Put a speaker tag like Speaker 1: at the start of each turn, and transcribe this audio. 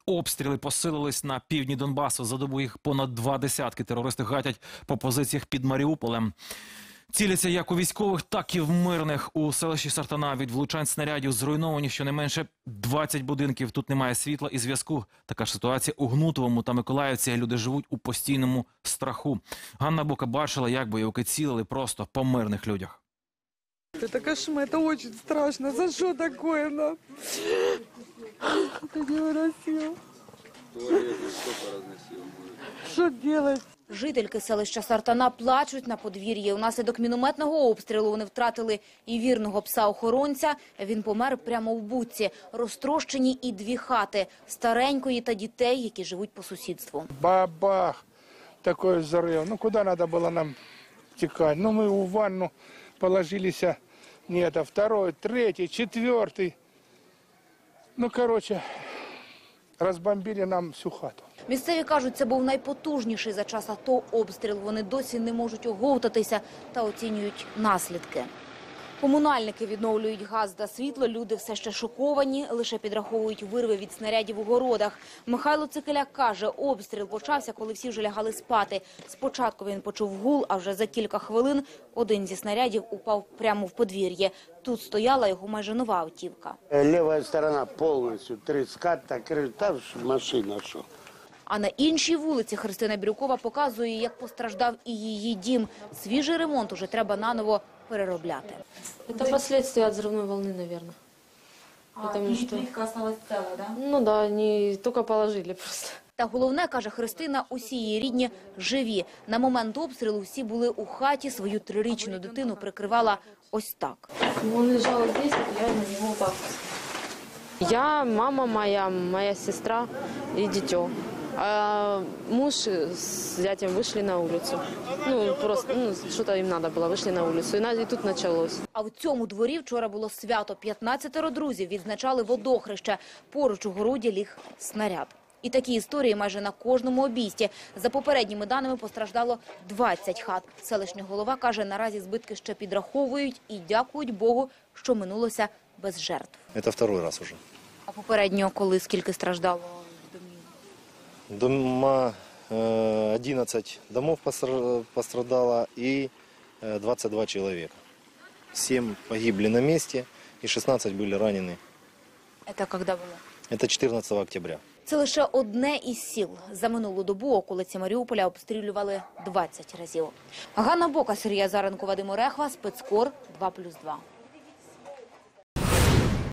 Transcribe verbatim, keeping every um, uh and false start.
Speaker 1: Обстріли посилились на півдні Донбасу. За добу їх понад два десятки. Терористи гатять по позиціях під Маріуполем. Ціляться як у військових, так і в мирних. У селищі Сартана від влучань снарядів зруйновані щонайменше двадцять будинків. Тут немає світла і зв'язку. Така ж ситуація у Гнутовому та Миколаївці. Люди живуть у постійному страху. Ганна Бока бачила, як бойовики цілили просто по мирних людях.
Speaker 2: Это кошмар, это очень страшно. За что такое нам? Это невыносимо. Что делать?
Speaker 3: Жительки селища Сартана плачуть на подвір'ї. Унаслідок мінометного обстрілу вони втратили і вірного пса-охоронця. Він помер прямо в будці. Розтрощені і дві хати – старенької та дітей, які живуть по сусідству.
Speaker 4: Бабах! Такой взрыв. Ну, куда надо было нам текать? Ну, мы в ванну положились. Нет, а второй, третий, четвертый. Ну, короче, розбомбили нам всю хату.
Speaker 3: Місцеві кажуть, це був найпотужніший за час АТО обстріл. Вони досі не можуть оговтатися та оцінюють наслідки. Комунальники відновлюють газ та світло, люди все ще шоковані, лише підраховують вирви від снарядів у городах. Михайло Цикеляк каже, обстріл почався, коли всі вже лягали спати. Спочатку він почув гул, а вже за кілька хвилин один зі снарядів упав прямо в подвір'я. Тут стояла його майже нова автівка.
Speaker 5: Ліва сторона повністю, три ската, та машина, що.
Speaker 3: А на іншій вулиці Христина Бірюкова показує, як постраждав і її дім. Свіжий ремонт уже треба наново переробляти.
Speaker 6: Это последствия от взрывной волны, наверное.
Speaker 7: А, Потому что плитка осталась целая, да?
Speaker 6: Ну да, они только положили просто.
Speaker 3: Та головне, каже Христина, усі її рідні живі. На момент обстрілу всі були у хаті, свою трирічну дитину прикривала ось так.
Speaker 6: Он лежал здесь, я на него так. Я, мама моя, моя сестра и дитё. А муж с зятем вышли на улицу. Ну, просто, ну, что-то им надо было, вышли на улицу. И, на, и тут началось.
Speaker 3: А в цьому дворі вчора було свято. п'ятнадцятеро друзів відзначали водохреще. Поруч у городі ліг снаряд. І такі історії майже на кожному обійсті. За попередніми даними постраждало двадцять хат. Селищний голова каже, наразі збитки ще підраховують і дякують Богу, що минулося без жертв.
Speaker 8: Це второй раз уже.
Speaker 3: А попередньо коли скільки страждало?
Speaker 8: Дома, одиннадцать домов пострадало и двадцать два человека. семь погибли на месте и шестнадцать были ранены.
Speaker 3: Це коли було?
Speaker 8: Это четырнадцатого октября.
Speaker 3: Це лише одне із сіл. За минулу добу околиці Маріуполя обстрілювали двадцять разів. Ганна Бока, Сергій Азаренко, Вадим Орехва, Спецкор, два плюс два.